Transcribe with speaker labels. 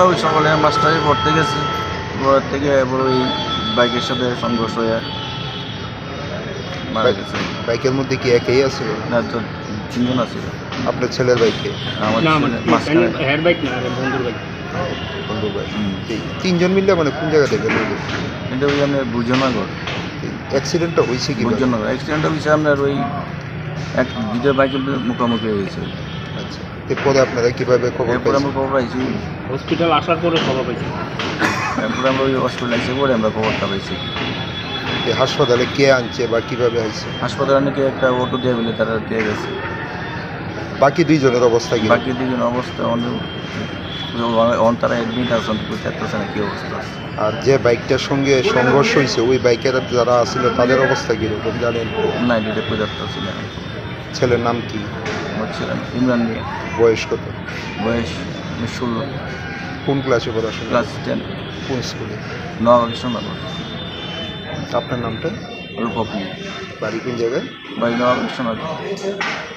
Speaker 1: আমরা ওই সকালে মাস্টারে পড়তে গেছি, পর থেকে এবার ওই বাইকের সাথে সংঘর্ষ হয়ে মারা গেছে।
Speaker 2: বাইকের মধ্যে কি একাই আছে?
Speaker 1: না তো 3 জন আছে।
Speaker 2: আপনার ছেলের বাইকে?
Speaker 1: আমার
Speaker 3: না
Speaker 1: ছেলে মাঝখানে।
Speaker 3: হেয়ার বাইক না, বন্ধুর বাইক।
Speaker 2: বন্ধুর বাইক।
Speaker 1: হুম।
Speaker 2: তিনজন মিললে মানে কোন জায়গা থেকে গেল?
Speaker 1: এটা ওই আপনার বুঝনগর।
Speaker 2: অ্যাক্সিডেন্টটা হয়েছে কি?
Speaker 1: বুঝনগর অ্যাক্সিডেন্টটা হয়েছে আপনার ওই দুটো বাইকের মুখোমুখি হয়েছে।
Speaker 2: আচ্ছা, এরপরে আপনারা কিভাবে খবর
Speaker 1: এরপরে
Speaker 2: পাইছেন?
Speaker 1: আমরা খবর পাইছি,
Speaker 3: হসপিটাল আসার পরে খবর পাইছি।
Speaker 1: এরপরে আমরা ওই হসপিটাল এসে পরে আমরা খবরটা পাইছি।
Speaker 2: হাসপাতালে কে আনছে বা কিভাবে হয়েছে?
Speaker 1: হাসপাতালে নাকি একটা অটো দিয়ে বলে তারা দিয়ে গেছে।
Speaker 2: বাকি দুইজনের অবস্থা কি?
Speaker 1: বাকি দুজন অবস্থা অনেক তারা অ্যাডমিট আছেন, বুঝতে না কী অবস্থা আছে।
Speaker 2: আর যে বাইকটার সঙ্গে সংঘর্ষ হয়েছে ওই বাইকের যারা আসছিল তাদের অবস্থা কীরকম জানেন?
Speaker 1: না এটা পদার্থ ছিল না।
Speaker 2: ছেলের নাম কি?
Speaker 1: আমার ছিলেন ইমরান নিয়ে,
Speaker 2: বয়স কত?
Speaker 1: বয়স 16,
Speaker 2: কোন ক্লাসে পড়াশোনা?
Speaker 1: ক্লাস 10,
Speaker 2: কোন স্কুলে?
Speaker 1: নবাবেশ্বরনগর।
Speaker 2: আপনার নামটা?
Speaker 1: রূপক নিয়ে
Speaker 2: বাড়ি কোন জায়গায়?
Speaker 1: বাড়ি নবাবেশ্বরনগর।